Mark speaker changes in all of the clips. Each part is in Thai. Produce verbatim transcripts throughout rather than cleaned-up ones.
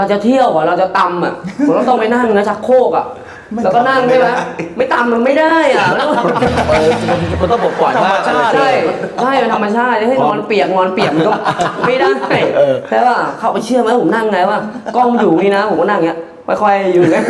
Speaker 1: เราจะเที่ยวอ่ะเราจะตำอ่ะผมต้องไปนั่งนะชักโครกอ่ะแล้วก็นั่งใช่ไหมไม่ตำมันไม่ได้อ่ะแล้ว
Speaker 2: มันต้องปล่อยมาก
Speaker 1: ใช่ใช่เป็นธรรมชาติให้นอนเปียกนอนเปียกมันก็ไม่ได้ใช่ป่ะเขาไปเชื่อไหมผมนั่งไงว่ากล้องอยู่นี่นะผมก็นั่งเงี้ยค่อยๆอยู่เงี้ย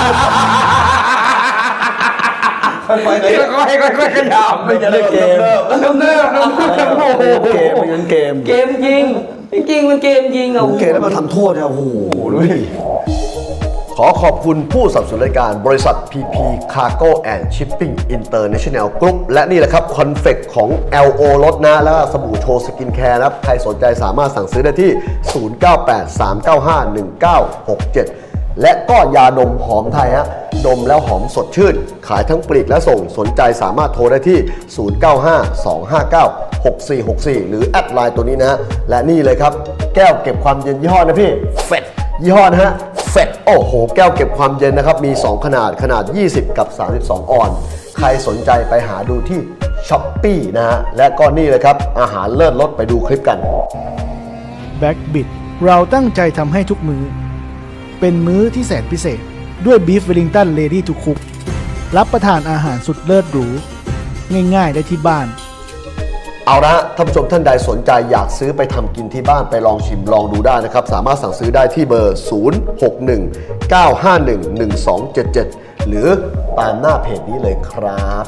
Speaker 2: ค่อยๆค่อยๆค่อยๆขยับไม่จะเล่นเกม
Speaker 1: เริ่มเริ่มเริ่ม
Speaker 2: เกมเป็นงั้นเกม
Speaker 1: เกมจริงจริงมันเกมจริงอ่ะ
Speaker 2: เกมแล้วมาทำโทษเนี่ยโอ้โหดูดิ
Speaker 3: ขอขอบคุณผู้สนับสนุนรายการบริษัท พี พี Cargo and Shipping International Group และนี่แหละครับคอนเฟกของ แอล โอ รถนะแล้วก็สบู่โชว์สกินแคร์นะครับใครสนใจสามารถสั่งซื้อได้ที่ ศูนย์ เก้า แปด สาม เก้า ห้า หนึ่ง เก้า หก เจ็ด และก็ยาดมหอมไทยฮะดมแล้วหอมสดชื่นขายทั้งปลีกและส่งสนใจสามารถโทรได้ที่ ศูนย์ เก้า ห้า สอง ห้า เก้า หก สี่ หก สี่ หรือแอดไลน์ตัวนี้นะฮะและนี่เลยครับแก้วเก็บความเย็นยี่ห้อนะพี่เฟดยี่ห้อนะฮะเฟดโอ้โหแก้วเก็บความเย็นนะครับมีสองขนาดขนาดยี่สิบกับสามสิบสองออนซ์ใครสนใจไปหาดูที่ Shopee นะฮะและก็นี่เลยครับอาหารเลิศรสไปดูคลิปกัน
Speaker 4: แบ็กบิดเราตั้งใจทำให้ทุกมื้อเป็นมื้อที่แสนพิเศษด้วยบีฟเวลลิงตันเลดี้ทูคุกรับประทานอาหารสุดเลิศหรูง่ายๆได้ที่บ้าน
Speaker 3: เอาละท่านผู้ชมท่านใดสนใจอยากซื้อไปทำกินที่บ้านไปลองชิมลองดูได้นะครับสามารถสั่งซื้อได้ที่เบอร์ ศูนย์ หก หนึ่ง เก้า ห้า หนึ่ง หนึ่ง สอง เจ็ด เจ็ด หรือตามหน้าเพจนี้เลยครับ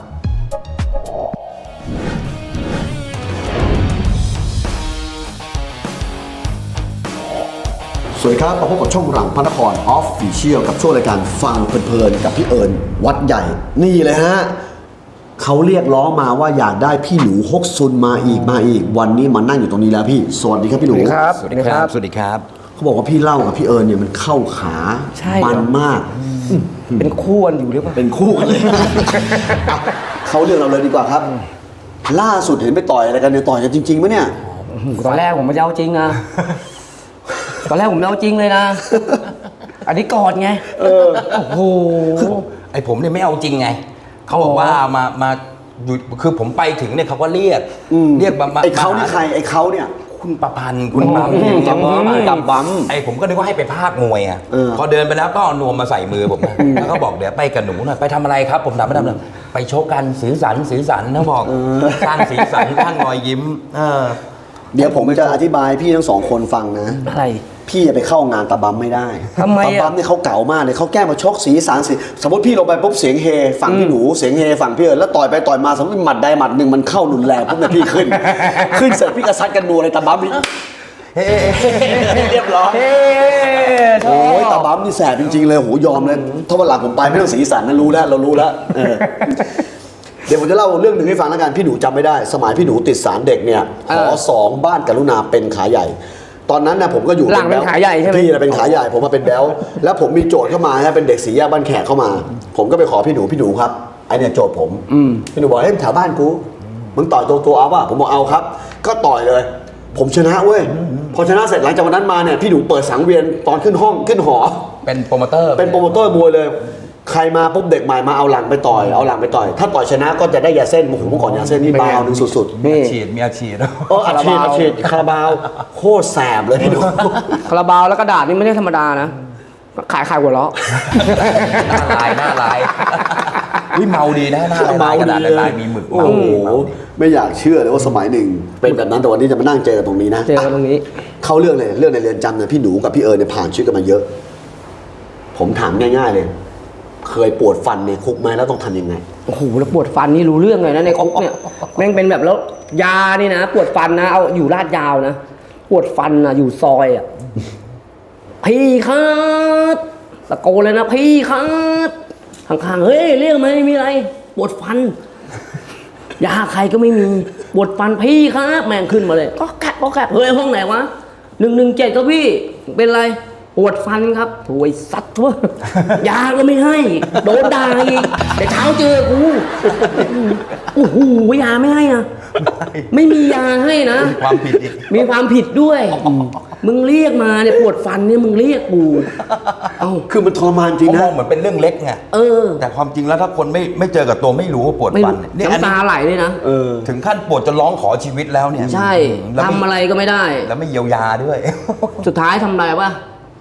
Speaker 3: สวัสดีครับมาพบกับช่องหลังพระนครออฟฟิเชียลกับช่วงรายการฟังเพลินๆกับพี่เอิญวัดใหญ่นี่เลยฮะเขาเรียกร้องมาว่าอยากได้พี่หนูฮกซุนมาอีกมาอีกวันนี้มานั่งอยู่ตรงนี้แล้วพี่สวัสดีครับพี่หนู
Speaker 2: ครับสวัสดีครับสวัสดีครับ
Speaker 3: เขาบอกว่าพี่เล่ากับพี่เอิญเนี่ยมันเข้าขามันมาก
Speaker 1: เป็นคู่กันอยู่หรือเปล่า
Speaker 3: เป็นคู่กันเลยเขาเรื่องเราเลยดีกว่าครับล่าสุดเห็นไปต่อยอะไรกันเนี่ยต่อยกันจริงๆไหมเนี่ย
Speaker 1: ตอนแรกผมไม่เอาจริงนะตอนแรกผมไม่เอาจริงเลยนะอันนี้กอดไง
Speaker 3: เออ
Speaker 1: โอ้โห
Speaker 2: ไอผมเนี่ยไม่เอาจริงไงเขาบอกว่ามามาอยู่คือผมไปถึงเนี่ยเขาก็เรียกเรียกมา
Speaker 3: ไอ้เขานี่ใครไอ้เขาเนี่ย
Speaker 2: คุณประพันธ์คุณปั๊ม
Speaker 3: จับบัมจับบัม
Speaker 2: ไอ้ผมก็นึกว่าให้ไปภาคมวยอ่ะพอเดินไปแล้วก็เอานวมมาใส่มือผมแล้วก็บอกเดี๋ยวไปกับหนูหน่อยไปทำอะไรครับผมถามไม่ทำเลยไปโชว์กันสีสันสีสันเขาบอกสร้างสีสันสร้างรอยยิ้ม
Speaker 3: เดี๋ยวผมจะอธิบายพี่ทั้งสองคนฟังนะ
Speaker 1: อะไร
Speaker 3: พี่จะไปเข้างานตาบัมไม่ได้
Speaker 1: ทำไม
Speaker 3: ตาบัมเนี่ยเขาเก่ามากเลยเขาแก้มาชกสีสันสีสมมติพี่ลงไปปุ๊บเสียงเฮฝั่งพี่หนูเสียงเฮฝั่งพี่เอิญแล้วต่อยไปต่อยมาสมมติหมัดใดหมัดหนึ่งมันเข้ารุนแรงปุ๊บเนี่ยพี่ขึ้นขึ้นเสร็จพี่กระซัดกันนัวเลยตาบัมนี่เรียบร้อยโอ้ยตาบัมนี่แสบจริงๆเลยโหยอมเลยถ้าวันหลังผมไปไม่ต้องสีสันนะรู้แล้วเรารู้แล้วเดี๋ยวผมจะเล่าเรื่องหนึ่งให้ฟังแล้วกันพี่หนูจำไม่ได้สมัยพี่หนูติดสารเด็กเนี่ยหอสองบ้านกรุณาเป็นขาใหญ่ตอนนั้นนะผมก็อยู่
Speaker 1: หลังเป็นขาใหญ่ใช่ไหม
Speaker 3: พี่เป็นขาใหญ่ผมมาเป็นแบลแล้วผมมีโจทย์เข้ามาฮะเป็นเด็กสีแยกบ้านแขกเข้ามาผมก็ไปขอพี่หนูพี่หนูครับไอเนี่ยโจทย์ผมพี่หนูบอกเฮ้ยแถวบ้านกูมึงต่อยตัวตัวเอาป่ะผมบอกเอาครับก็ต่อยเลยผมชนะเว้ยพอชนะเสร็จหลังจากวันนั้นมาเนี่ยพี่หนูเปิดสังเวียนตอนขึ้นห้องขึ้นหอ
Speaker 2: เป็นโปรโมเตอร์
Speaker 3: เป็นโปรโมเตอร์มวยเลยใครมาปุ๊บเด็กใหม่มาเอาหลังไปต่อยเอาหลังไปต่อยถ้าต่อยชนะก็จะได้ยาเส้นโอ้โหเมื่อก่อนยาเส้นนี่บาวนึงสุด
Speaker 2: ๆมีฉีดมีอาชีพ
Speaker 3: เอออาชีพอาชีพคาราบาวโคตรแสบเลยพี่หนู
Speaker 1: คาราบาวแล้วกระดาษนี่ไม่ใช่ธรรมดานะขายขายหัวเราะ
Speaker 2: หน้าลายหน้าลายวิเมาดีนะหน้าลายกระดาษลายมีหมึก
Speaker 3: โอ้โหไม่อยากเชื่อเลยว่าสมัยหนึ่งเป็นแบบนั้นแต่วันนี้จะมานั่งเจอกันตรงนี้นะ
Speaker 1: เจอกันตรงนี้
Speaker 3: เข้าเรื่องเลยเรื่องในเรือนจำเนี่ยพี่หนูกับพี่เอิญเนี่ยผ่านชีวิตกันมาเยอะผมถามง่ายๆเลยเคยปวดฟันในคุกไหมแล้วต้องทำยังไง
Speaker 1: โอ้โหแล้วปวดฟันนี่รู้เรื่องเลยนะในคุกเนี่ยแม่งเป็นแบบแล้วยานี่นะปวดฟันนะเอาอยู่ลาดยาวนะปวดฟันนะอยู่ซอยอ่ะพี่ครับตะโกนเลยนะพี่ครับข้างๆเฮ้ยเรื่องไม่มีอะไรปวดฟันยาใครก็ไม่มีปวดฟันพี่ครับแม่งขึ้นมาเลยก็แกะก็แกะเฮ้ยห้องไหนวะหนึ่งหนึ่งเจ็ดก็พี่เป็นไรปวดฟันครับถวยสัตว์วะยาก็ไม่ให้โดนด่าอีกแต่เช้าเจอกูโอ้โหยาไม่ให้อ่ะไม่มียาให้นะ
Speaker 2: ความผิดอีก
Speaker 1: มีความผิดด้วยมึงเรียกมาเนี่ยปวดฟันเนี่ยมึงเรียกกู
Speaker 3: เอ้าคือมันทรมานจริงนะ
Speaker 2: มองเหมือนเป็นเรื่องเล็กไง
Speaker 1: เออ
Speaker 2: แต่ความจริงแล้วถ้าคนไม่ไม่เจอกับตัวไม่รู้ว่าปวดฟัน
Speaker 1: เนี่ยน้ำตาไหลเลยนะ
Speaker 2: ถึงขั้นปวดจนร้องขอชีวิตแล้วเนี่ย
Speaker 1: ใช่ทำอะไรก็ไม่ได้
Speaker 2: แล้วไม่เยียวยาด้วย
Speaker 1: สุดท้ายทำอะไรวะ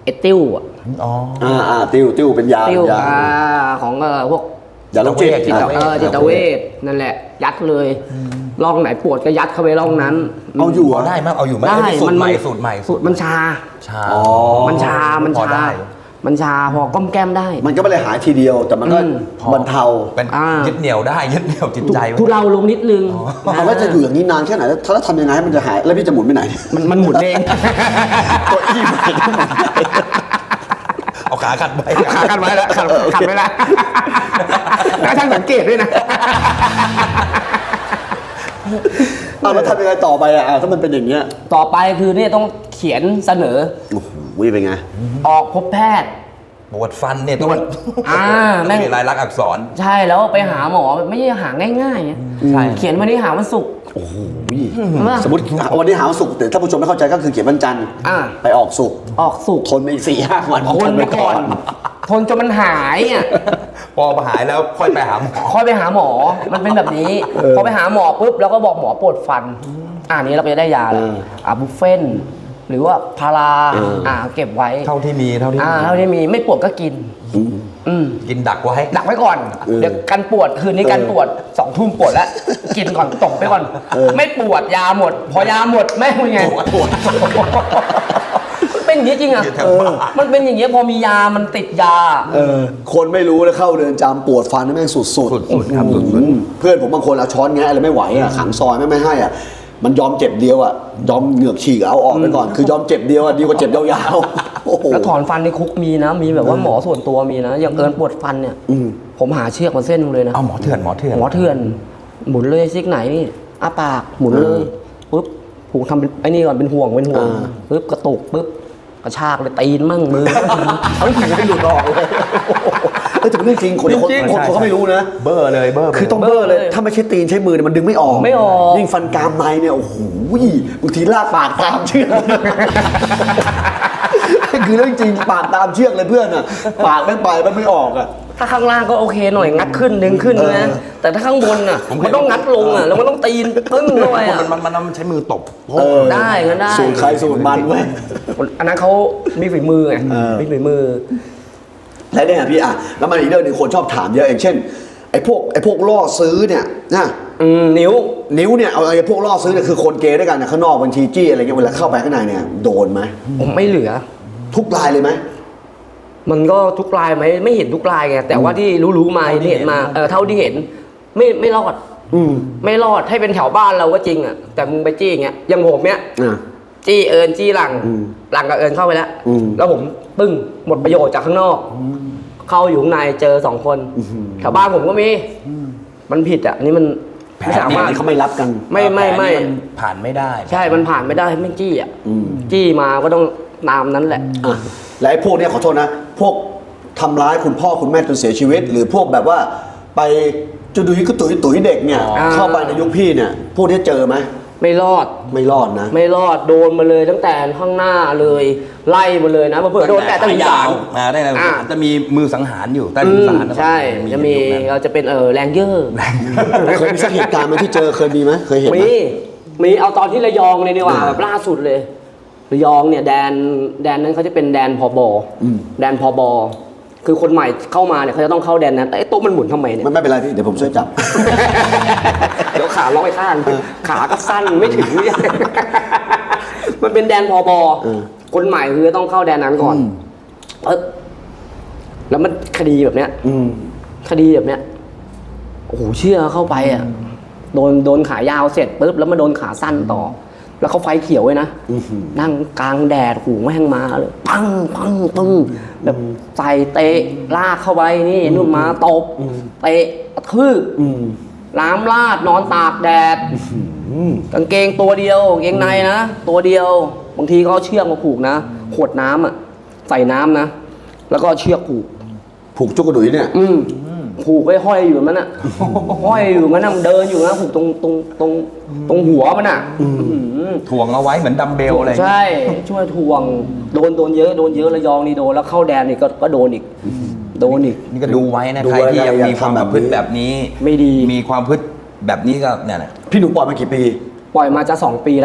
Speaker 1: ไอ้ติ้วอะ
Speaker 2: อ๋อ
Speaker 3: อ่าอ่าติ้วติ้วเป็นยา
Speaker 1: ติ้ว
Speaker 3: เป็นยา
Speaker 1: อ่าของเออพวก
Speaker 3: ยาโรคจิต
Speaker 2: จิต
Speaker 1: เออจิตเวชนั่นแหละ ยัดเลยร่องไหนปวดก็ยัดเข้าไปร่องนั้น
Speaker 3: เอาอยู่เหร
Speaker 2: เอา
Speaker 3: อ
Speaker 2: ได้ไหมเอาอยู่ไหม
Speaker 1: ได้
Speaker 2: ไอ้สูตรใหม่
Speaker 1: มัน
Speaker 2: สูตรใหม่
Speaker 1: สูตรมันชา
Speaker 2: ชา
Speaker 3: อ๋อ
Speaker 1: มันชา มัน
Speaker 2: พอ
Speaker 1: ชา
Speaker 2: ได้
Speaker 1: มันชาพอก้อมแก้มได้
Speaker 3: มันก็ไม่ได้หายทีเดียว แต่มันก็
Speaker 1: อืม
Speaker 3: บรรเทา
Speaker 2: เป็น
Speaker 1: อ่ายึ
Speaker 2: ยึดเหนี่ยวได้ยึดเหนี่ยวจิตใจไว้
Speaker 1: ทุเราลงนิดนึง
Speaker 3: เอาแล้วจะอยู่อย่างนี้นานแค่ไหนแล้วถ้าทำยังไงให้มันจะหายแล้วพี่จะหมุนไปไหน
Speaker 1: มันมันหมุนเอง
Speaker 3: ตัวอี้ใหม่ก็หมุน
Speaker 2: เอาขาขัดไว้
Speaker 1: ขากันไว้แล้วขัดขัดไว้แล้วแล้วท่านสังเกตด้วยนะ
Speaker 3: เอาแล้วทำยังไงต่อไปอ่ะถ้ามันเป็นอย่างเงี้ย
Speaker 1: ต่อไปคือเนี่ยต้องเขียนเสนอ
Speaker 3: โอ้โหเป็นไง
Speaker 1: ออกพบแพทย์
Speaker 2: ปวดฟันเนี่ยต้อง
Speaker 1: อ่าแม่ง
Speaker 2: มีลายลักษณ์อักษร
Speaker 1: ใช่แล้วไปหาหมอไม่ใช่หาง่ายๆไง
Speaker 2: ใช่
Speaker 1: เขียนวันนี้หาวันศุกร์
Speaker 3: โอ้โห
Speaker 1: ว่า
Speaker 3: สมมติวันนี้หาวันศุกร์แต่ถ้าผู้ชมไม่เข้าใจก็คือเขียนวันจันทร์
Speaker 1: อ่า
Speaker 3: ไปออกศุกร์
Speaker 1: ออกศุกร์
Speaker 3: ทนไปอีกสี่ห้าวัน
Speaker 1: ทนไปก่อน ทนจนมันหายอ่ะ
Speaker 2: พอหายแล้วค่อยไปหาหมอ
Speaker 1: ค่อยไปหาหมอ มันเป็นแบบนี้ พอไปหาหมอปุ๊บแล้วก็บอกหมอปวดฟัน อ่านี้เราก็จะได้ยาแล้วอ่าบุฟเฟ่นหรือว่าพาราอ่าเก็บไว้
Speaker 2: เท่าที่มีเท่าที่
Speaker 1: อ่า
Speaker 2: มี
Speaker 1: เท่าที่มีไม่ปวดก็กิน อืม
Speaker 2: กินดักไว้
Speaker 1: ดักไว้ก่อน เดี๋ยวกันปวดคืนนี้กันปวดสองทุ่มปวดแล้ว กินก่อนตกไปก่อน ไม่ปวดยาหมด พอยาหมดแม่งเป็นไง
Speaker 2: ปวด
Speaker 1: มันเป็นอย่างนี้จริงอ่ะ
Speaker 2: แถวบ้าน
Speaker 1: มันเป็นอย่างนี้พอมียามันติดยา
Speaker 3: เออคนไม่รู้แล้วเข้าเรือนจำปวดฟันนี่แม่งสุดๆ
Speaker 2: สุดๆครับสุดๆ
Speaker 3: อืมเพื่อนผมบางคนเอาช้อนแงะอะไรไม่ไหวอ่ะขังซอยไม่ไม่ให้อ่ะมันยอมเจ็บเดียวอ่ะยอมเหงือกฉีกเอาออกไปก่อน คือยอมเจ็บเดียวอ่ะดีกว่าเจ็บยาวๆโอ้โห
Speaker 1: แล้วถอนฟันในคุกมีนะ มีแบบว่าหมอส่วนตัวมีนะ อย่างเอิญปวดฟันเนี่ย
Speaker 3: อืม
Speaker 1: ผมหาเชือกมาเส้นหนึงเลยนะ
Speaker 2: เอาหมอเถื่อนหมอเถื่อน
Speaker 1: หมอเถื่อน หมุนเลยซิกไหนนี่อ้าปากหมุนเลยปุ๊บผูกทำเป็นไอ้นี่ก่อนเป็นห่วงเป็นห่วง
Speaker 3: อ่า
Speaker 1: ปุ๊บกระตุกปุ๊บกระชากเลยตีนมั่งมือ
Speaker 3: เอาผีไปหลุดออกเลยเออแต่เป็นเรื่องจริงคนคน
Speaker 2: จริงๆ
Speaker 3: คนเขาไม่รู้นะ
Speaker 2: เบอร์เลยเบอร์ไป
Speaker 3: คือต้องเบอร์เลย ถ้าไม่ใช่ตีนใช้มือเนี่ยมันดึงไม่ออก
Speaker 1: ไม่ออก
Speaker 3: ยิ่งฟันกรามในเนี่ยโอ้โหบางทีลากปากตามเชือกคือเรื่องจริงปากตามเชือกเลยเพื่อนอ่ะปากไม่ไปมันไม่ออกอ่ะ
Speaker 1: ถ้าข้างล่างก็โอเคหน่อยงัดขึ้นดึงขึ้นนะ แต่ถ้าข้างบนอ่ะมันต้องงัดลงอ่ะแล้วมันต้องตีนปึ้งด้วย
Speaker 2: มัน
Speaker 1: อ่ะ
Speaker 2: มันมันมันใช้มือตบ
Speaker 3: เออ
Speaker 1: ได้ก็ได้
Speaker 3: สูตรใครสูตรมันเว้ย
Speaker 1: อันนั้นเขามีฝีมือไง
Speaker 3: เออ
Speaker 1: มีฝีมือ
Speaker 3: แล้วเนี่ยพี่อ่ะแล้วมันอีกเรื่องหนึงคนชอบถามเยอะอย่างเช่นไอ้พวกไอ้พวกล่อซื้อเนี่ยนะ
Speaker 1: อืมนิ้ว
Speaker 3: นิ้วเนี่ยเอาไอ้พวกล่อซื้อเนี่ยคือคนเกย์ด้วยกันนะข้างนอกบัญชีจี้อะไรเงี้ยเวลาเข้าไปข้างในเนี่ยโดนไหม
Speaker 1: ผมไม่เหลือ
Speaker 3: ทุกรายเลยไหม
Speaker 1: มันก็ทุกลายไหมไม่เห็นทุกลายไงแต่ว่าที่รู้ๆมาที่เห็นมาเออเท่าที่เห็น ไม่ไม่รอด
Speaker 3: อืม
Speaker 1: ไม่รอดให้เป็นแถวบ้านเราก็จริงอ่ะแต่มึงไปจี้อย่างเงี้ยอย่างผมเนี้ย
Speaker 3: อ่ะ
Speaker 1: จี้เอิญจี้หลัง
Speaker 3: อืม
Speaker 1: หลังกับเอิญเข้าไปแล้ว
Speaker 3: อืม
Speaker 1: แล้วผมปึ้งหมดประโยชน์จากข้างนอก เข้าอยู่ข้างในเจอสองคนแถวบ้านผมก็มีมันผิดอ่ะอันนี่มัน
Speaker 2: แผ
Speaker 1: ไม่
Speaker 2: น
Speaker 1: สามารถ
Speaker 3: นี่เขาไม่รับกัน
Speaker 1: ไม่ไม่ไม่
Speaker 2: แผนนี่นผ่านไม่ได้
Speaker 1: ใช่มันผ่านไม่ได้ไม่จี้อ่ะ
Speaker 3: อืม
Speaker 1: จี้มาก็ต้องตามนั้นแหละ
Speaker 3: อ่ะและไอ้พวกเนี้ยขอโทษนะ พวกทำร้ายคุณพ่อคุณแม่จนเสียชีวิต หรือพวกแบบว่าไปจุดุยกุตุยตุ๋ยเด็กเนี่ย
Speaker 1: อ่า
Speaker 3: เข้าไปในยุคพี่เนี่ย พวกเนี้ยเจอไหม
Speaker 1: ไม่รอด
Speaker 3: ไม่รอดนะ
Speaker 1: ไม่รอดโดนมาเลยตั้งแต่ข้างหน้าเลย ไล่มาเลยนะเผื่อๆโดนแต่ตะลิงสาร
Speaker 2: อ่าได้เลย
Speaker 1: อ่า
Speaker 2: จะมีมือสังหารอยู่ใต้
Speaker 1: อื
Speaker 2: ลิง
Speaker 1: ม
Speaker 2: สารน
Speaker 1: ใช่จะมี
Speaker 2: ยุคนั้น
Speaker 1: เราจะเป็นเออแรงเยอร์
Speaker 3: เคยมีสักเหตุการณ์ไหมที่เจอเคยมีไหมเคยเห็นไหม
Speaker 1: มีมีเอาตอนที่ระยองเลยดีกว่าแบบล่าสุดเลยระยองเนี่ยแดนแดนนั้นเขาจะเป็นแดนพบ
Speaker 3: อืม
Speaker 1: แดนพบคือคนใหม่เข้ามาเนี่ยเขาจะต้องเข้าแดนนั้นไอ้โต๊ะมันหมุนทำไมเนี่ย
Speaker 3: ไม่ไม่เป็นไรพี่เดี๋ยวผมช่วยจับ
Speaker 1: เดี๋ยวขาล็อกไอ้ข้างขาก็สั้นไม่ถึง มันเป็นแดนพบ
Speaker 3: เออ
Speaker 1: คนใหม่คือต้องเข้าแดนนั้นก่อนเออแล้วมันคดีแบบเนี้ย
Speaker 3: อืม
Speaker 1: คดีแบบเนี้ยโอ้โหเชื่อเข้าไปอ่ะโดนโดนขายาวเสร็จปุ๊บแล้วมาโดนขาสั้นต่อ แล้วเขาไฟเขียวไว้นะ
Speaker 3: อื้อหือ
Speaker 1: นั่งกลางแดดหูแม่งมาเลยปังปังปังแบบใส่เตะลากเข้าไปนี่นู่นมาตบเตะกระทืบ
Speaker 3: อืม
Speaker 1: ล้ามลาดนอนตากแดด
Speaker 3: อืม
Speaker 1: กางเกงตัวเดียวกางเกงในนะตัวเดียวบางทีก็เอาเชือกมาผูกนะขวดน้ำอ่ะใส่น้ำนะแล้วก็เอาเชือกผูก
Speaker 3: ผูกจุกกระดุยเนี่ย
Speaker 1: อืมผูกไว้ห้อยอยู่มันน่ะ ห้อยอยู่มันน่ะมันเดินอยู่นะผูกตรงตรงตรงตรงหัวมันอ่ะอื้อหือ
Speaker 2: ถ่วงเอาไว้เหมือนดัมเบลอะไร
Speaker 1: ใช่ช่วยทวงโดนโดนเยอะโดนเยอะระยองนี่โดนแล้วเข้าแดนนี่ก็ก็โดนอีกโดนอีก
Speaker 2: นี่ก็ดูไว้นะ
Speaker 3: ดู
Speaker 2: ใคร
Speaker 3: ไว้
Speaker 2: ที่ยัง
Speaker 3: อย่า
Speaker 2: มีความ
Speaker 3: ทำ
Speaker 2: ป
Speaker 3: แบบ
Speaker 2: ระพฤติ
Speaker 3: นี้
Speaker 2: แบบนี้
Speaker 1: ไม่ดี
Speaker 2: มีความพฤติแบบนี้ก็เนี่ยนะ
Speaker 3: พี่หนูปล่อยมากี่ปี
Speaker 1: ปล่อยมาจะสองปีแล้ว
Speaker 3: อ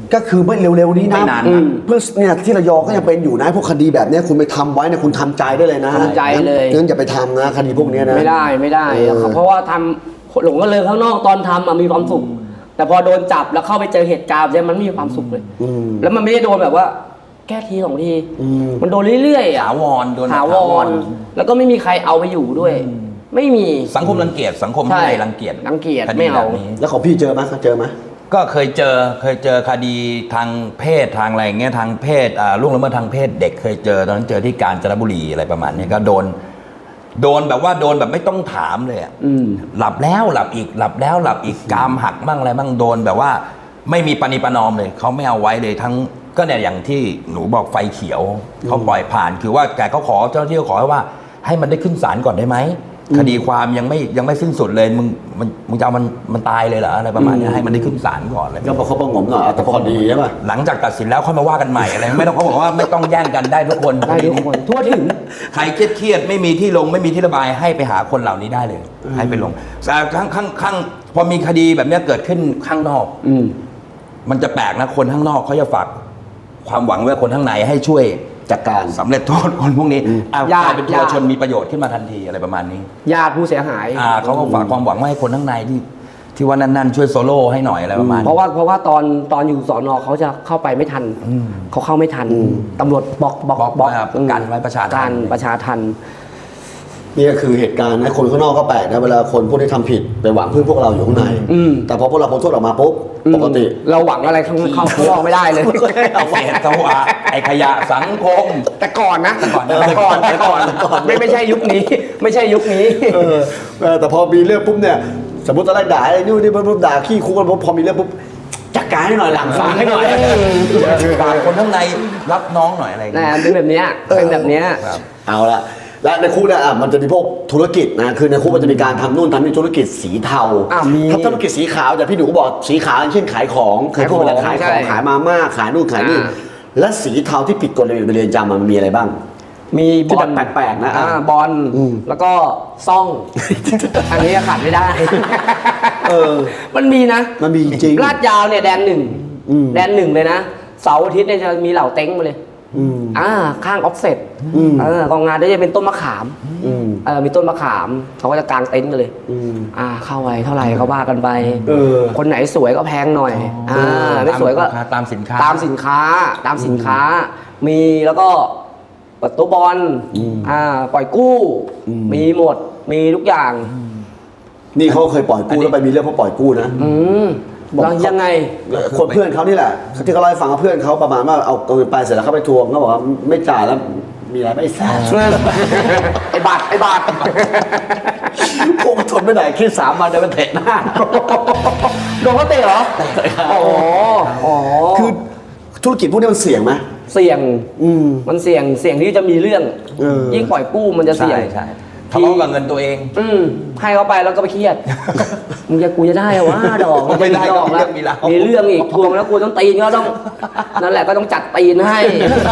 Speaker 3: ก็คือไม่เร็วๆนี้นะ
Speaker 2: ไม่นาน
Speaker 3: อื
Speaker 2: นะ
Speaker 3: มเพื่อเนี่ยที่ระยองก็ยังเป็นอยู่นะพวกคดีแบบเนี้ยคุณไปทำไว้เนี่ยคุณทำใจได้เลยนะ
Speaker 1: ทำใจเลย
Speaker 3: งั้นอย่าไปทำนะคดีพวกเนี้ยนะ
Speaker 1: ไม่ได้ไม่ได้
Speaker 3: เออ
Speaker 1: เพราะว่าทำหลงก็เลยข้างนอกตอนทำอะมีความสุข แต่พอโดนจับแล้วเข้าไปเจอเหตุการณ์เนี่ยมันไม่มีความสุขเลย
Speaker 3: อืม
Speaker 1: แล้วมันไม่ได้โดนแบบว่า แค่ทีสองที
Speaker 3: อืม
Speaker 1: มันโดนเรื่อยๆอะ
Speaker 2: ถาวรโดน
Speaker 1: ถาวรแล้วก็ไม่มีใครเอาไปอยู่ด้วย ไม่มี
Speaker 2: สังคมรังเกียจสังคม
Speaker 1: ใช่
Speaker 2: ไทยรังเกียจ
Speaker 1: รังเกียจ
Speaker 2: คดี
Speaker 1: ไม่เอา
Speaker 2: แบบนี้
Speaker 3: แล้วของพี่เจอไหมเจอไหม
Speaker 2: ก็เคยเจอเคยเจอคดีทางเพศทางอะไรอย่างเงี้ยทางเพศอ่าล่วงละเมิดทางเพศเด็กเคยเจอตอนนั้นเจอที่กาญจนบุรีอะไรประมาณนี้ก็โดน โดนแบบว่าโดนแบบไม่ต้องถามเลยอะ
Speaker 1: อืม
Speaker 2: หลับแล้วหลับอีกหลับแล้วหลับอีกกรามหักบ้างอะไรบ้างโดนแบบว่าไม่มีปณิประนอมเลยเขาไม่เอาไว้เลยทั้งก็เนี่ยอย่างที่หนูบอกไฟเขียวเขาปล่อยผ่านคือว่าแต่เขาขอเจ้าหน้าที่เขาขอว่าให้มันได้ขึ้นศาลก่อนได้ไหมคดีความยังไม่ยังไม่สิ้นสุดเลยมึงมันมึงจะเอามันมันตายเลยเหรออะไรประมาณนี้ให้มันได้ขึ้นศาลก่อนเลย
Speaker 3: ก็ประคบประหงมหน่อยเอาแต่พอดีใช่ป่ะ
Speaker 2: หลังจากตัดสินแล้วค่อยมาว่ากันใหม่อะไรไม่ต้องเขาบอกว่าไม่ต้องแย่งกันได้ทุกคน
Speaker 1: ได้ทุกคนทั่วถึง
Speaker 2: ใครเครียดๆไม่มีที่ลงไม่มีที่ระบายให้ไปหาคนเหล่านี้ได้เลย ให้ไปลงแต่ข้างข้างข้างพอมีคดีแบบเนี้ยเกิดขึ้นข้างนอก
Speaker 1: อืม
Speaker 2: มันจะแปลกนะคนข้างนอกเขาจะฝากความหวังไว้คนข้างในให้ช่วย
Speaker 3: จัดการ
Speaker 2: สำเร็จโทษคนพวกนี้อ้าว
Speaker 1: ญาติ
Speaker 2: กลายเป็นทัว
Speaker 1: ญาติ
Speaker 2: ชนมีประโยชน์ขึ้นมาทันทีอะไรประมาณนี้
Speaker 1: ญาติผู้เสียหาย
Speaker 2: อ่าเขาก็ฝากความหวังไว้ให้คนข้างในที่ที่ว่านั่นๆช่วยโซโล่ให้หน่อยอะไรประมาณ
Speaker 1: เพราะว่าเพราะว่าตอนตอนอยู่สอนอเขาจะเข้าไปไม่ทัน เขาเข้าไม่ทันตำรวจบล็อกบล็อก
Speaker 2: บล็อกไว้ครับกันไว้ประชาทัน
Speaker 1: การประชาทัน
Speaker 3: นี่ก็คือเหตุการณ์นะคนข้างนอกก็แปลกนะเวลาคนพวกที่ทำผิดไปหวังพึ่งพวกเราอยู่ข้างใน
Speaker 1: อืม
Speaker 3: แต่พอพวกเราพ้นโทษออกมาปุ๊บปกติ
Speaker 1: เราหวังอะไรข้างเข้าข้างนอกไม่ได้เลย
Speaker 2: ไอ้เศษสวะไอ้ขยะสังคม
Speaker 1: แต่ก่อนนะ
Speaker 2: แต่ก่อนนะ
Speaker 1: แต่ก่อนแต่ก่อนไม่ไม่ใช่ยุคนี้ ไม่ใช่ยุคนี้
Speaker 3: เออเออแต่พอมีเรื่องปุ๊บเนี่ยสมมติตอนแรกด่าไอ้นู่นนี่ปุ๊บด่าขี้คุกกันปุ๊บพอมีเรื่องปุ๊บจัดการให้หน่อยหลังฟังให้หน่อย
Speaker 2: ฝากคนข้างในรับน้องหน่อยอะไรอย่าง
Speaker 1: นะ
Speaker 2: เงี้ย
Speaker 1: เป็นแบบเนี้ยเป็นแบบเนี้ย
Speaker 2: ครับ
Speaker 3: เอาละและในคุกเนี่ยอ่ะมันจะมีพวกธุรกิจนะคือในคุกมันจะมีการทำนู่นทำนี่ธุรกิจสีเทา
Speaker 1: อ่ะมี
Speaker 3: ถ้าธุรกิจสีขาวอย่างพี่หนูก็บอกสีขาวอย่างเช่นขายของเคยพูดไปแล้ว
Speaker 1: ขา
Speaker 3: ขาย ย
Speaker 1: ของ
Speaker 3: ของ
Speaker 1: ใช่
Speaker 3: ขายมาม่าขายนู่นขายนี่
Speaker 1: อ่า
Speaker 3: และสีเทาที่ผิดกฎระเบียบในเรือนจำมันมีอะไรบ้าง
Speaker 1: มีบ
Speaker 3: ที่
Speaker 1: อ
Speaker 3: แบ
Speaker 1: ล
Speaker 3: บแปลกๆนะ
Speaker 1: อ่า
Speaker 3: อ่ะ
Speaker 1: บอล
Speaker 3: อืม
Speaker 1: แล้วก็ซ่อง อันนี้ขาดไม่ได้
Speaker 3: เออ
Speaker 1: มันมีนะ
Speaker 3: มันมีจริง
Speaker 1: ลาดยาวเนี่ยแดนหนึ่ง
Speaker 3: อืม
Speaker 1: แดนหนึ่งเลยนะเสาร์อาทิตย์เนี่ยจะมีเหล่าเต็งมาเลย
Speaker 3: อืม
Speaker 1: อ่าข้างออฟเซ็ต
Speaker 3: อืม
Speaker 1: เออกองงานได้จะเป็นต้นมะขาม
Speaker 3: อืม
Speaker 1: เออมีต้นมะขามเขาก็จะกางเต็นท์กันเลย
Speaker 3: อืม
Speaker 1: อ่าเข้าไปเท่าไหร่ก็ว่ากันไป
Speaker 3: เออ
Speaker 1: คนไหนสวยก็แพงหน่อยอ่าไม่สวยก็
Speaker 2: ตามสินค้า
Speaker 1: ตามสินค้าตามสินค้า มีแล้วก็เปิดตัวบอล
Speaker 3: อืม
Speaker 1: อ่าปล่อยกู้
Speaker 3: อืม
Speaker 1: มีหมดมีทุกอย่าง
Speaker 3: นี่เขาเคยปล่อยกู้แล้วไปมีเรื่องเพราะปล่อยกู้นะ
Speaker 1: อืม
Speaker 3: บอก
Speaker 1: แล้วยังไง
Speaker 3: คนเพื่อนเขานี่แหละที่เขาเล่าให้ฟังว่าเพื่อนเขาประมาณว่าเอาเงินไปเสร็จแล้วเขาไปทวงเขาบอกว่าไม่จ่ายแล้วมีอะไรไม่ทราบ
Speaker 1: ไอ้บาทไอ้บาท
Speaker 3: พวกมันทนไม่ได้คิดสามวันเดินมาเตะหน้า
Speaker 1: โดนเขาเตะเหรออ๋ออ๋อ
Speaker 3: คือธุรกิจพวกนี้มันเสี่ยงไหม
Speaker 1: เสี่ยง
Speaker 3: อืม
Speaker 1: มันเสี่ยงเสี่ยงที่จะมีเรื่อง
Speaker 3: เออ
Speaker 1: ยิ่งปล่อยกู้มันจะเสี่ยง
Speaker 2: ใช่ใช่ทะเลาะกับเงินตัวเอง
Speaker 1: อืมให้เขาไปแล้วก็ไปเครียด มึงจะกูจะได้เหรอวะดอก
Speaker 2: ไม่ได้
Speaker 1: ดอกแล้ว
Speaker 2: มีเรื่องมีราว
Speaker 1: มีเรื่องอีกทวงแล้วกูต้องตีนก็ต้อง นั่นแหละก็ต้องจัดตีนให้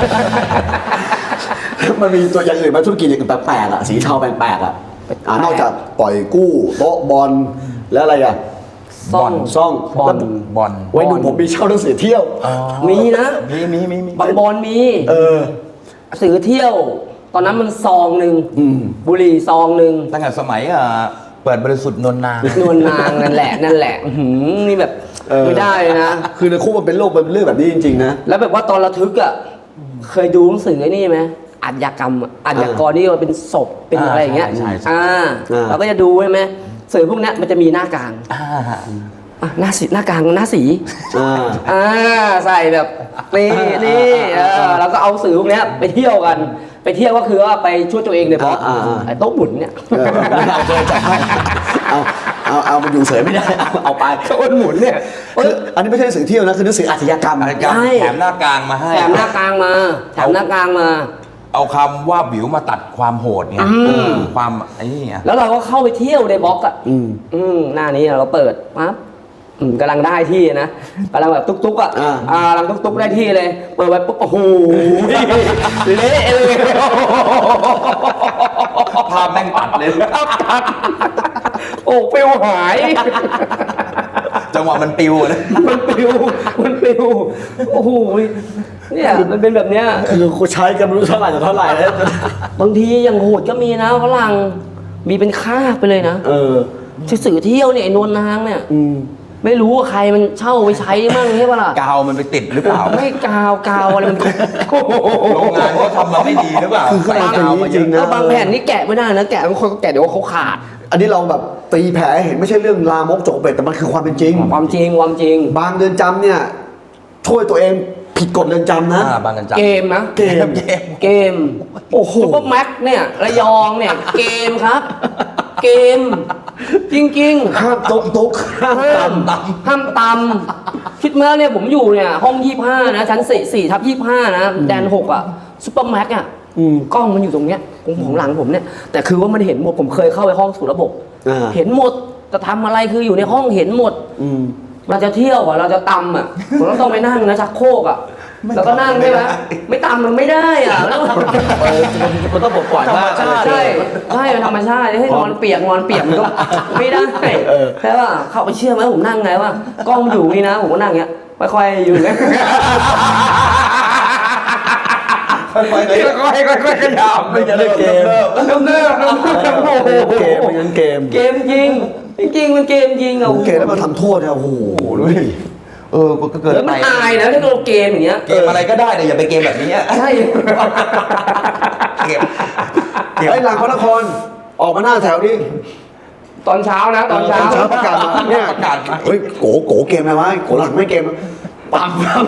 Speaker 3: มันมีตัวอย่างอื่นไหมธุรกิจอย่างอื่นแปลกๆอ่ะสีเทาแปลกๆอ่ะอ่านอกจากปล่อยกู้โต๊ะบอลแล้วอะไรอ่ะ
Speaker 1: ซ่อง
Speaker 3: ซ่อง
Speaker 1: บอล
Speaker 2: บอล
Speaker 3: ไว้ดูผมมีเช่าหนังสือเที่ยว
Speaker 1: มีนะ
Speaker 2: มีมีมีมี
Speaker 1: บางบอลมี
Speaker 3: เออ
Speaker 1: สื่อเที่ยว ตอนนั้นมันซองหนึ่ง
Speaker 3: อืม
Speaker 1: บุหรี่ซองหนึ่ง
Speaker 2: ตั้งแต่สมัยอ่ะเปิดบริสุทธิ์นนนาง
Speaker 1: นวลนางนั่นแหละนั่นแหละอื้อหือนี่แบบ
Speaker 3: เออ
Speaker 1: ไม่ได้เลยนะ
Speaker 3: คือในคุกมันเป็นโรคเป็นเรื่องแบบนี้จริงๆนะ
Speaker 1: แล้วแบบว่าตอนระทึกอ่ะเคยดูหนังสือไอ้นี่ไหมอาชญากรรมอะอาชญากรนี่มันเป็นศพเป็น
Speaker 2: อ่า
Speaker 1: อะไรอย่างเงี้ย
Speaker 2: ใช่ใช่
Speaker 1: อ่า
Speaker 3: อ่า
Speaker 1: เราก็จะดูใช่ไหมสื่อพวกเนี้ยมันจะมีหน้ากลาง
Speaker 2: อ่า
Speaker 1: อ่ะหน้าสีหน้ากลางหน้าสี
Speaker 3: อ่า
Speaker 1: อ่าใส่แบบนี่นี่เออแล้วก็เอาสื่อพวกเนี้ยไปเที่ยวกัน ไปเที่ยวก็คือว่าไปช่วยตัวเองเลยเพราะ
Speaker 3: อ่าอ่า
Speaker 1: ไอ้โต๊ะหมุนเนี่ย
Speaker 3: เออเอาเลยจัดให้เอาเอาเอามันอยู่เฉยไม่ได้เอาเอาไป
Speaker 1: โต๊ะหมุนเนี่ย
Speaker 3: คืออันนี้ไม่ใช่หนังสือเที่ยวนะคือหนังสืออาชญากรรม
Speaker 2: อาจจะ
Speaker 1: ใช่
Speaker 2: แถมหน้ากลางมาให้
Speaker 1: แถมหน้ากลางมาแถมหน้ากลางมา
Speaker 2: เอาคำว่าบิวมาตัดความโหดไง
Speaker 1: อืม
Speaker 2: ความไอ้นี่ไง
Speaker 1: แล้วเราก็เข้าไปเที่ยวในบล็อกอ่ะ
Speaker 3: อืม
Speaker 1: อืมหน้านี้เราเปิดปั๊บอืมกำลังได้ที่นะกำลังแบบตุ๊กๆอ่ะ
Speaker 3: อ่า
Speaker 1: อ่ากำลังตุ๊กๆได้ที่เลย เปิดไปปุ๊บโอ้โหเละเลย
Speaker 2: ภาพแม่งตัดเลย
Speaker 1: โอ้ฟิวหาย
Speaker 2: จะจังหวะมันปิวนะ
Speaker 1: มันปิวมันปิวโอ้โหเนี่ยมันเป็นแบบเนี้ย
Speaker 3: คือกูใช้กันไม่รู้เท่าไหร่ต่อเท่าไหร่แล้ว
Speaker 1: บางทีอย่างโหดก็มีนะฝรั่งมีเป็นคาบไปเลยนะ
Speaker 3: เออ
Speaker 1: สื่อเที่ยวเนี่ยไอ้นวลนางเนี่ย
Speaker 3: อืม
Speaker 1: ไม่รู้ว่าใครมันเช่าไปใช้มั่งใช่ปะล่ะ
Speaker 2: กาวมันไปติดหรือเปล่า
Speaker 1: ไม่กาวกาวอะไรมันโอ้โห
Speaker 2: โรงงานเขาทำมาไม่ดีหรือเปล่า
Speaker 3: คือขนาด
Speaker 2: ใส่กาวมาเย
Speaker 3: จริ
Speaker 2: อะ
Speaker 3: งๆนะ
Speaker 1: แล้วบางแผ่นนี่แกะไม่ได้นะแกะบางคนก็แกะเดี๋ยวเขาขาด
Speaker 3: อันนี้เราแบบตีแผลให้เห็นไม่ใช่เรื่องลามกจกเป็ดแต่มันคือความเป็นจริง
Speaker 1: ความจริงความจริง
Speaker 3: บางเรือนจำเนี่ยช่วยตัวเองผิดกฎเรือนจำนะ
Speaker 2: อ่าบางกันจับ
Speaker 1: เกมนะ
Speaker 3: เกม
Speaker 2: เกม
Speaker 1: เกม
Speaker 3: โอ้โห
Speaker 1: ซุปเปอร์แม็กเนี่ยระยองเนี่ยเกมครับ เกม จริงๆ
Speaker 3: ห้ามโต๊ะโต๊ะห้าม
Speaker 1: ห้าม
Speaker 3: ตำ
Speaker 1: ห้ามตำคิดมาแล้วเนี่ยผมอยู่เนี่ยห้องยี่ห้านะชั้นสี่สี่ทับยี่ห้านะแดนหกอ่ะซุปเปอร์แม็กอ่ะ
Speaker 3: อืม
Speaker 1: กล้องมันอยู่ตรงเนี้ยของของหลังผมเนี่ยแต่คือว่ามันเห็นหมดผมเคยเข้าไปห้องสู่ระบบ
Speaker 3: อ่า
Speaker 1: เห็นหมดจะทำอะไรคืออยู่ในห้องเห็นหมด
Speaker 3: อืม
Speaker 1: เราจะเที่ยวอ่ะเราจะตำอ่ะผมก็ต้องไปนั่งนะชักโครกอ่ะแล้วก็นั่งใช่ไหมไม่ตำมันไม่ได้อ่ะแล้ว
Speaker 3: เออมันต้องบอกก่อนว่า
Speaker 1: ใช่ใช่ใช่เป็นธรรมชาติให้นอนเปียกนอนเปียกมันก็ไม่ได้ใช่ป่ะเข้าไปเชื่อไหมผมนั่งไงว่ากล้องอยู่นี่นะผมก็นั่งเงี้ยค่อยๆอยู่เงี้ย
Speaker 2: ค่อยๆค่อยๆค่อยๆขยับไม่จะได้เกม
Speaker 1: เริ่มเริ่มเริ่มเริ่มโอ้โห
Speaker 3: เกมมันยังเกม
Speaker 1: เกมจริงจริงมันเกมจริงอ่ะ
Speaker 3: โอเคแล้วมาทำโทษเนี่ยโอ้โหดูดิ
Speaker 2: เออก็เกิน
Speaker 1: แล้ว
Speaker 2: ไป
Speaker 1: มันอายนะถ้าเราเกมอย่างเงี้ย
Speaker 2: เกมอะไรก็ได้แต่อย่าไปเกมแบบนี้
Speaker 1: ใช่
Speaker 2: เกมเกม
Speaker 3: ไอ้หลังพระนครออกมาหน้าแถวนี้
Speaker 1: ตอนเช้านะตอนเช้า
Speaker 3: เช้าประกาศมาเนี่ย
Speaker 2: ประกาศมา
Speaker 3: เฮ้ยโกโกเกมอะไรวะโกหลังไม่เกมปั๊มปั๊ม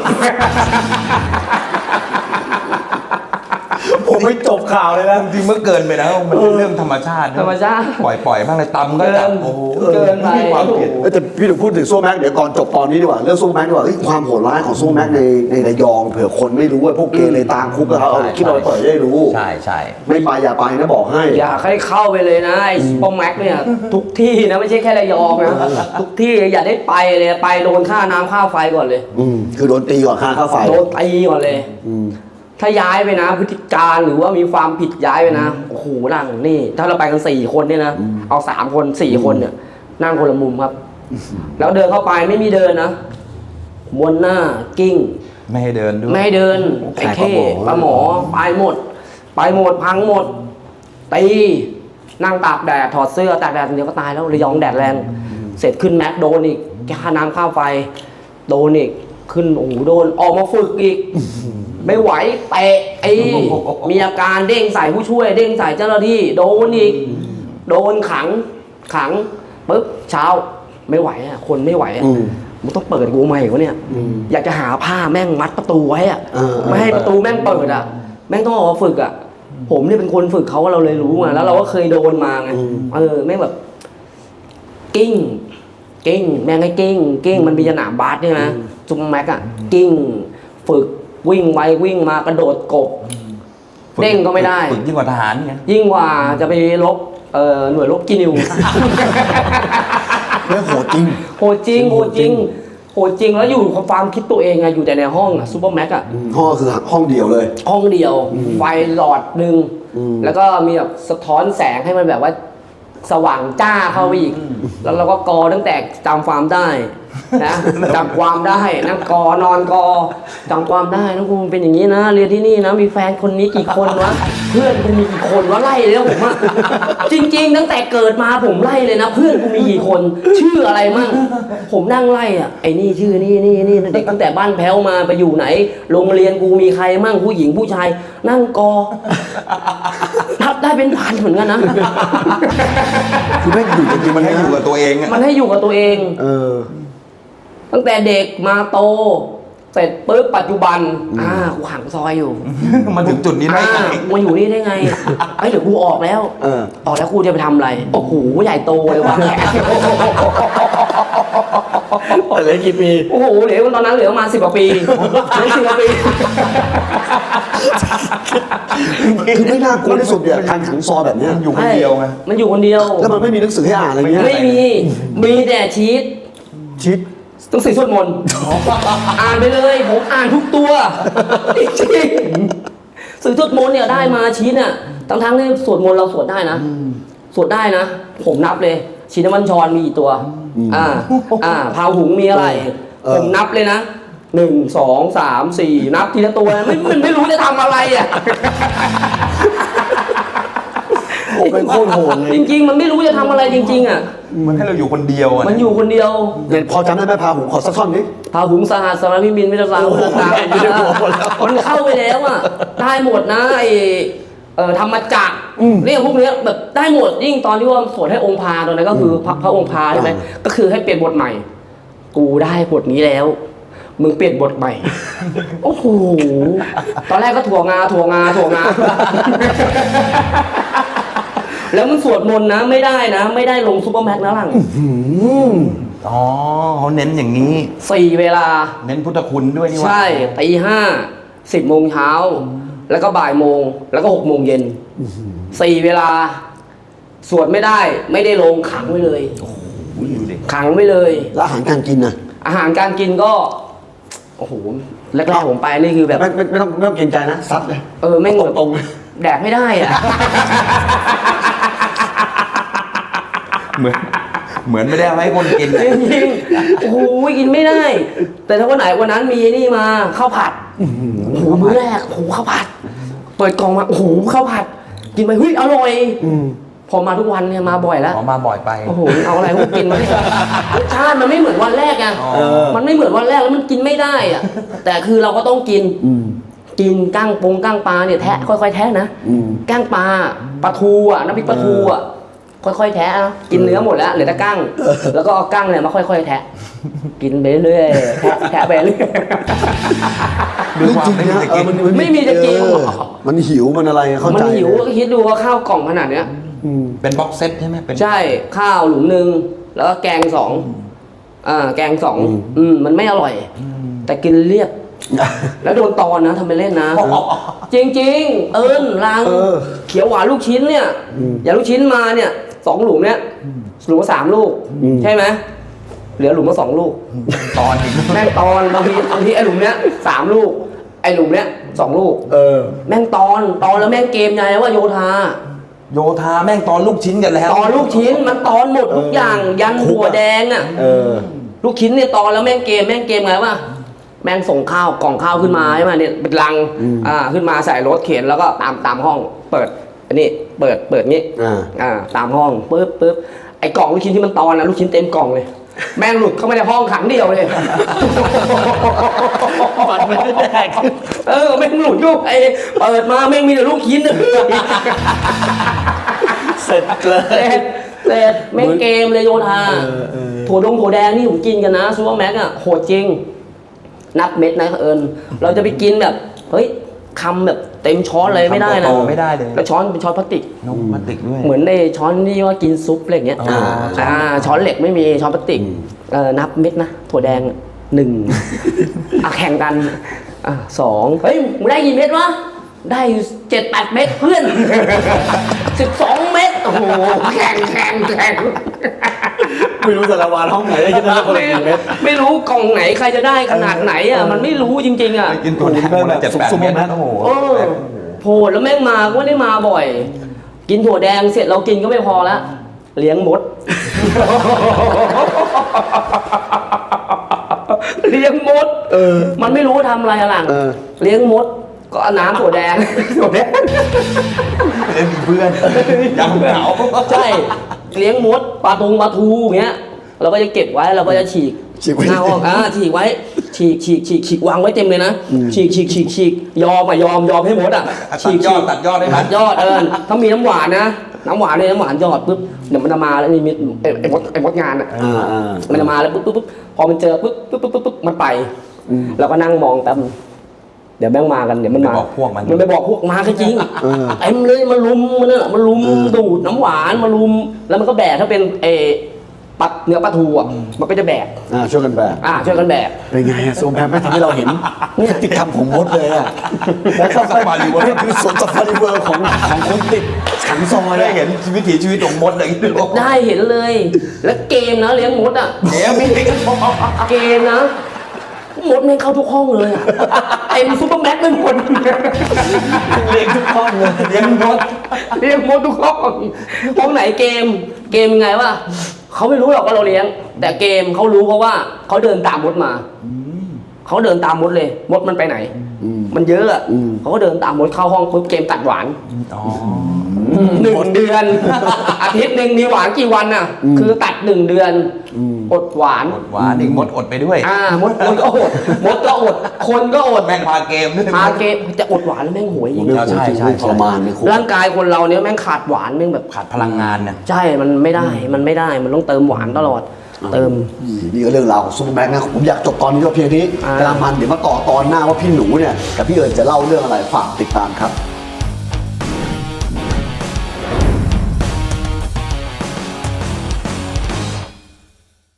Speaker 3: ผมไม่จบข่าวเลยนะ
Speaker 2: จริงๆเมื่อเกินไปแล้วมันเป็นเรื่องธรรมชาตินะ
Speaker 1: ธรรมชาติ
Speaker 2: ปล่อยปล่อยบ้างเลยตำก็จับโอ้โห
Speaker 1: เกินไป
Speaker 2: มีความผิด
Speaker 3: เอ้ยแต่พี่ถึงพูดถึงโซ่แม็กเดี๋ยวก่อนจบตอนนี้ดีกว่าเรื่องโซ่แม็กดีกว่าเฮ้ยความโหดร้ายของโซ่แม็กในในระยองเผื่อคนไม่รู้ว่าพวกเกเรตามคุกแล้วเขาเอาคลิปเราไปเปิดให้ได้รู้
Speaker 2: ใช่ใช่
Speaker 3: ไม่ไปอย่าไปนะบอกให้
Speaker 1: อยากให้เข้าไปเลยนะไอ้ซุปเปอร์แม็กเนี่ยทุกที่นะไม่ใช่แค่ระยองนะทุกที่อย่าได้ไปเลยไปโดนค่าน้ำค่าไฟก่อนเลย
Speaker 3: อืมคือโดนตีก่อนค่าค่าไฟ
Speaker 1: โดนตีก่อนเลย
Speaker 3: อืม
Speaker 1: ถ้าย้ายไปนะพฤติการหรือว่ามีความผิดย้ายไปนะโอ้โหนั่งนี่ ถ้าเราไปกันสี่คนเนี่ยนะเอาสามคนสี่คนเนี่ยนั่งคนละมุมครับ แล้วเดินเข้าไปไม่มีเดินนะม้วนหน้ากิ้ง
Speaker 2: ไม่ให้เดินด้วย
Speaker 1: ไม่ให้เดินไอ้เข้ปลาหมอไปหมด ไปหมดพังหมดตีนั่งตากแดดถอดเสื้อตากแดดเดี๋ยวก็ตายแล้วระยองแดดแรงเสร็จขึ้นแม็กโดนอีกค่าน้ำค่าไฟโดนอีกขึ้นโอ้โหโดนออกมาฝึกอีก ไม่ไหวเตะไอ้มีอาการเด้งใส่ผู้ช่วย เด้งใส่เจ้าหน้าที่โดนอีกโดนขังขังปุ๊บเช้าไม่ไหวอ่ะคนไม่ไหวอ่ะ
Speaker 3: อืม
Speaker 1: มันต้องเปิดกูใหม่วะเนี่ย
Speaker 3: อืม
Speaker 1: อยากจะหาผ้าแม่งมัดประตูไว้อ่ะ
Speaker 3: เออ
Speaker 1: ไม่ให้ประตูแม่งเปิดอ่ะ แม่งต้องออกมาฝึกอ่ะ ผมเนี่ยเป็นคนฝึกเขาเราเลยรู้ไงแล้วเราก็เคยโดนมาไงเออแม่งแบบ กิ้ง กิ้ง แม่งให้กิ้ง กิ้งมันมีสนามบาสใช่ไหมจุ๊มแม็กอ่ะกิ้ง ฝึกวิ่งไปวิ่งมากระโดดกบ เด้งก็ไม่ได้
Speaker 2: ฝึกยิ่งกว่าทหารเนี่ย
Speaker 1: ยิ่งกว่าจะไปลบเอ่อหน่วยลบกินิว
Speaker 3: เรื่องโหดจริง
Speaker 1: โหดจริงโหดจริงโหดจริงแล้วอยู่กับความคิดตัวเองไงอยู่แต่ในห้องอะซูเปอร์แม็กอะ
Speaker 3: ห้องก็คือห้องเดียวเลย
Speaker 1: ห้องเดียว ไฟหลอดหนึ่ง
Speaker 3: อืม
Speaker 1: แล้วก็มีแบบสะท้อนแสงให้มันแบบว่า สว่างจ้าเข้าไปอีก แล้วเราก็กอตั้งแต่จำความได้นะจำความได้นั่งกอนอนกอจำความได้น้องกูเป็นอย่างนี้นะ เรียนที่นี่นะมีแฟนคนนี้กี่คนวะเพื่อนกูมีกี่คนวะไล่เลยนะผมอะจริง ๆ ตั้งแต่เกิดมาผมไล่เลยนะ เพื่อนกูมีกี่คน ชื่ออะไรมั่งผมนั่งไล่อะไอ้นี่ชื่อนี่นี่นี่เด็กตั้งแต่บ้านแพ้วมาไปอยู่ไหนโรงเรียนกูมีใครมั่งผู้หญิงผู้ชาย นั่งกอนับได้เป็นพันเหมือนกันนะ
Speaker 3: คือแม่งอยู่จริงๆ
Speaker 2: มั
Speaker 3: มัน น
Speaker 2: ให้
Speaker 3: ให้
Speaker 2: อ
Speaker 3: อยู่ ยู่
Speaker 2: กับตัวเองอะ
Speaker 1: มันให้อยู่กับตัวเอง
Speaker 3: เออ
Speaker 1: ตั้งแต่เด็กมาโต เสร็จปุ๊บปัจจุบัน อ่ากูขังซอยอยู่
Speaker 2: มันถึงจุดนี้ได้
Speaker 1: อ่า
Speaker 2: ไง
Speaker 1: มาอยู่นี่ได้ไงไอ้ยเดี๋ยวกูออกแล้ว
Speaker 3: เออ
Speaker 1: ออกแล้วกูจะไปทำอะไร โอ้โหใหญ่โตเลยว่ะ
Speaker 3: เหลือกี่ปี
Speaker 1: โอ้โหเหลือตอนนั้นเหลือประมาณสิบกว่าปีเหลือสิบกว่าปี
Speaker 3: คือไม่น่ากลัวที่สุดเนี่ยการขังซอยแบบเนี้ย
Speaker 2: อยู่คนเดียวไง
Speaker 1: มันอยู่คนเดียว
Speaker 3: แล้วมันไม่มีหนังสือให้อ่านอะไรเงี้ย
Speaker 1: ไม่มี มีแต่ชีต
Speaker 3: ชิด
Speaker 1: ต้องสื่อสวดมนต์อ่านไปเลย ผมอ่านทุกตัวจริงๆสื่อสวดมนต์เนี่ยได้มาชีตเนี่ยทั้งทั้งๆที่สวดมนต์เราสวดได้นะ สวดได้นะ ผมนับเลย ชินวันชรมีกี่ตัวอ่าอ่าพาหุงมีอะไร
Speaker 3: เออ
Speaker 1: ผมนับเลยนะหนึ่งสองสามสี่นับทีละตัวนะไม่ไม่ไม่รู้จะทำอะไรอ่ะ
Speaker 3: โอ้เป็นโคตรโหดเลย
Speaker 1: จริงๆ มันไม่รู้จะทำอะไรจริงๆอ่ะ
Speaker 2: มันให้เราอยู่คนเดียวอะ
Speaker 1: มันอยู่คนเดียว
Speaker 3: เดี๋ยวพอจำได้ไหมพาหุงขอสักท่อนนี้
Speaker 1: พาหุงสหัสสารพิมินวิทยาศาสตร์
Speaker 3: โอ้โห
Speaker 1: ตาม
Speaker 3: ไม่ได้บอกหมดแล้ว
Speaker 1: มันเข้าไปแล้วอ่ะได้หมดนะไอเอ่อธรรมจักรเนี่ยพวกเนี้ยแบบได้หมดยิ่งตอนที่ว่าสวดให้องค์พาตอนนั้นก็คือพระพระองค์พาใช่ไหมก็คือให้เปลี่ยนบทใหม่ กูได้บทนี้แล้ว มึงเปลี่ยนบทใหม่ โอ้โหตอนแรกก็ถั่วงาถั่วงาถั่วงา แล้วมึงสวดมนต์นะไม่ได้นะ ไม่ได้ลงซุปเปอร์แม็กซ์นะหลัง
Speaker 2: อ๋อเขาเน้นอย่างนี้
Speaker 1: สี่เวลา
Speaker 2: เน้นพุทธคุณด้วยนี่หว่า
Speaker 1: ใช่ตีห้าสิบโมงเช้าแล้วก็บ่ายโมงแล้วก็หกโมงเย็นสี่เวลา สวดไม่ได้ ไม่ได้ลงขังไว้เลย
Speaker 2: อุ้ยดูดิ
Speaker 1: ขังไว้เลย
Speaker 3: แล้วอาหารการกินนะ
Speaker 1: อาหารการกินก็โอ้โหแรกๆผมไปนี่คือแบบ
Speaker 3: ไม่ไม่ไม่ต้องไม่ต้องเกรงใจนะซัดเลย
Speaker 1: เออไม่งแบบ
Speaker 3: ตรง
Speaker 1: แดกไม่ได้อะ
Speaker 2: เหมือนเหมือนไม่ได้เอาให้คนกิน
Speaker 1: จริงๆโอ้โหกินไม่ได้ แต่ถ้าวันไหนวันนั้นมีนี่มาข้าวผัดโอ้โหมื้อแรกโอ้โหข้าวผัด เปิดกล่องมาโอ้โหข้าวผัด กินไปเฮ้ยอร่อยพอมาทุกวันเนี่ยมาบ่อยแล้ว
Speaker 2: ออกมาบ่อยไป
Speaker 1: โอ้โหเอาอะไรพวกกินมาเนี่ยรสชาติมันไม่เหมือนวันแรกไง
Speaker 2: เออ
Speaker 1: มันไม่เหมือนวันแรกแล้วมันกินไม่ได้อะแต่คือเราก็ต้องกินกินก้างปงก้างปลาเนี่ยแทะค่อยๆแทะนะก้างปลาปลาทูอ่ะน้ำพริกปลาทูอ่ะค่อยๆแทะนะกินเนื้อหมดแล้วเหลือแต่ก้างแล้วก็เอาก้างเนี่ยมาค่อยๆแทะ กินไปเรื่อยๆแทะแทะไปเรื่อย
Speaker 3: ๆ
Speaker 2: ด้วยความไม่มีจะกิน
Speaker 3: เออ
Speaker 1: ไม่มีจะกิน
Speaker 3: เออมันหิวมันอะไรเข้า
Speaker 1: มั
Speaker 3: ใจ
Speaker 1: นหิวก็คิดดูว่าข้าวกล่องขนาดเนี้ย
Speaker 2: เป็นบ็อกเซตใช่ไหมเป็น
Speaker 1: ใช่ข้าวหลุมหนึ่งแล้วก็แกงสองอ่าแกงสองอืมมันไม่อร่อย แต่กินเรียบ แล้วโดนตอนนะทำไปเล่นนะ จริงๆ เอิญรัง
Speaker 3: เออ
Speaker 1: เขียวหวานลูกชิ้นเนี่ย อย่างลูกชิ้นมาเนี่ยสองหลุมเนี่ยหลุมละสามลูก ใช่ไหมเหลือหลุมละสองลูก
Speaker 2: ตอนอีก
Speaker 1: แม่งตอนบางทีบางทีไอ้หลุมเนี้ยสามลูก ไอ้หลุมเนี้ยสองลูก
Speaker 3: เออ
Speaker 1: แม่งตอนตอนแล้วแม่งเกมไงว่าโยธา
Speaker 2: โยธาแม่งตอนลูกชิ้นกันแล้ว
Speaker 1: ตอนลูกชิ้นมันตอนหมดทุกอย่างยันหัวแดงอ่ะ
Speaker 3: เออ
Speaker 1: ลูกชิ้นเนี่ยตอนแล้วแม่งเกมแม่งเกมไงวะแม่งส่งข้าวกล่องข้าวขึ้นมาใช่ไหมเนี่ยเป็นลังอ่าขึ้นมาใส่รถเข็นแล้วก็ตามตามห้อง เปิดอันนี้เปิดเปิดงี้
Speaker 3: อ่า
Speaker 1: อ่าตามห้องปึ๊บปึ๊บไอ้กล่องลูกชิ้นที่มันตอนนะลูกชิ้นเต็มกล่องเลย แม่งหลุดเข้ามาในห้องขังเดียวเลย
Speaker 3: มันไม่ได้แดก
Speaker 1: เออแม่งหลุดอยู่ไอ้เปิดมาแม่งมีแต่ลูกชิ้น
Speaker 3: เสร็จเลย
Speaker 1: เสร็จเสร็จแม่งเกมเลยโยธา
Speaker 3: เออเออ
Speaker 1: ถั่วดงถั่วแดงนี่ผมกินกันนะซูเปอร์แม็กอะโหดจริง นับเม็ดนะเอิญเราจะไปกินแบบเฮ้ยคำแบบเต็มช้อนเลยไม่ได้นะ
Speaker 2: คำโตๆไม่ได้เลย
Speaker 1: แล้วช้อนเป็นช้อนพลาสติก
Speaker 2: นมมันติดด้วย
Speaker 1: เหมือนในช้อนที่ว่ากินซุปอะไรอย่างเงี้ย
Speaker 2: อ่า
Speaker 1: อ่าช้อนเหล็กไม่มีช้อนพลาสติกเออนับเม็ดนะถั่วแดงหนึ่ง อ่ะแข่งกันอ่ะสองเฮ้ยมึงได้กี่เม็ดวะได้เจ็ดแปดเม็ดเพื่อน สิบสองเม็ดโอ้โหแข่งแข่งแข่ง
Speaker 3: ไม่รู้แต่ละวันห้องไหนได้กินได้คนละ
Speaker 1: ไม่
Speaker 3: กี่เม็ด
Speaker 1: ไม่รู้กล่องไหนใครจะได้ขนาดไหนอ่ะมันไม่รู้จริงๆอ่ะ
Speaker 2: กินตัวแทนคนละเจ็ดแปดเม็ดโอ้โห
Speaker 1: โอ้โหแล้วแม่งมาก็ไม่ได้มาบ่อย กินถั่วแดงเสร็จเรากินก็ไม่พอละเลี้ยงมด เลี้ยงมด
Speaker 3: เออ
Speaker 1: มันไม่รู้ทำอะไรอะหลัง
Speaker 3: เออ
Speaker 1: เลี้ยงมดก็เอาน้ำถั่วแดง ถั่วแดง
Speaker 2: เล่นเพื่อนยังเหงา
Speaker 1: ใช่เลี้ยงมดปลาตุงปลาทูอย่างเงี้ยเราก็จะเก็บไว้เราก็จะฉีก
Speaker 3: ฉีกไว้
Speaker 1: หน้าห้องอ่าฉีกไว้ฉีกฉีกฉีกฉีกวางไว้เต็มเลยนะฉีกฉีกฉีกฉีกยอมอ่ะยอมยอมให้มดอ่ะ
Speaker 2: ตั
Speaker 1: ฉี
Speaker 2: ด
Speaker 1: ก
Speaker 2: ยอดตัดยอดได้ไหม
Speaker 1: ตัดยอดเออถ้ามีน้ำหวานนะน้ำหวานเนี่ยน้ำหวานยอดปุ๊บเดี๋ยวมันจะมาแล้วนี่มีไอ้ไอ้มดไอ้มดงานอ่ะ
Speaker 3: อ่าอ่า
Speaker 1: มันจะมาแล้วปุ๊บปุ๊บปุ๊บพอมันเจอปุ๊บปุ๊บปุ๊บปุ๊บปุ๊บมันไปเราก็นั่งมองแป๊บเดี๋ยวแม่งมากันเดี๋ยวมันมา
Speaker 2: ไปบอกพวกมัน
Speaker 1: มันไปบอกพวกมาก็จริง
Speaker 3: เออ
Speaker 1: เต็มเลยมาลุมมันน่ะมาลุมดูดน้ำหวานมาลุมแล้วมันก็แบกถ้าเป็นเออปัดเนื้อปลาทูอ่ะมันก็จะแบก
Speaker 3: อ่าช่วยกันแบก
Speaker 1: อ่าช่วยกันแบก
Speaker 3: เป็นไงอะโซมแพมไม่ทำให้เราเห็นพฤติกรรมของมดเลยอ่ะแล้วก็
Speaker 2: ซาฟารีเวิร์
Speaker 3: นี่คือสวนซาฟารีเวิร์ของของคนติดขังซอย
Speaker 2: ได้
Speaker 3: อะ
Speaker 2: เห็นวิถีชีวิตของมดเลย
Speaker 1: ได้เห็นเลย แล้วเกมนะเลี้ยงมดอ่ะ
Speaker 2: เดี๋ยวมี
Speaker 1: เกมนะมดไม่งเข้าทุกห้องเลยอะเต็มซุปเปอร์แม็กซ์ไปหมด
Speaker 3: เลี้ยงทุกห้องเลย
Speaker 2: เลี้ยงมด
Speaker 1: เลี้ยงมดทุกห้องห้องไหนเกมเกมยังไงวะเขาไม่รู้หรอกว่าเราเลี้ยงแต่เกมเขารู้เพราะว่าเขาเดินตามมดมาเขาเดินตามมดเลยมดมันไปไหน มันเยอะอะเขาก็เดินตามมดเข้าห้องปุ๊บเกมตัดหวานหนึ่งเดือน อาทิตย์หนึ่งมีหวานกี่วันน่ะ คือตัดหนึ่งเดือนอดหวาน
Speaker 2: อดหวานอีกมดอดไปด้วย
Speaker 1: อ่ามดมดก็อดมดก็อด คนก็อด
Speaker 2: แม่งพาเกมด้วย
Speaker 1: พาเกมจะอดหวานแล้วแม่งหวยจริง
Speaker 2: ใช่ใช่
Speaker 3: ทรมานในคุก
Speaker 1: ร่างกายคนเราเนี้ยแม่งขาดหวานแม่งแบบ
Speaker 2: ขาดพลังงานเนี่ย
Speaker 1: ใช่ มันไม่ได้ มันไม่ได้ มันต้องเติมหวานตลอด เติม
Speaker 3: นี่ก็เรื่องราวของซูเปอร์แม็กซ์นะผมอยากจบตอนนี้ก็เพียงนี้
Speaker 1: อ่า
Speaker 3: กำลังมันเดี๋ยวมาต่อตอนหน้าว่าพี่หนูเนี่ยกับพี่เอิญจะเล่าเรื่องอะไรฝากติดตามครับ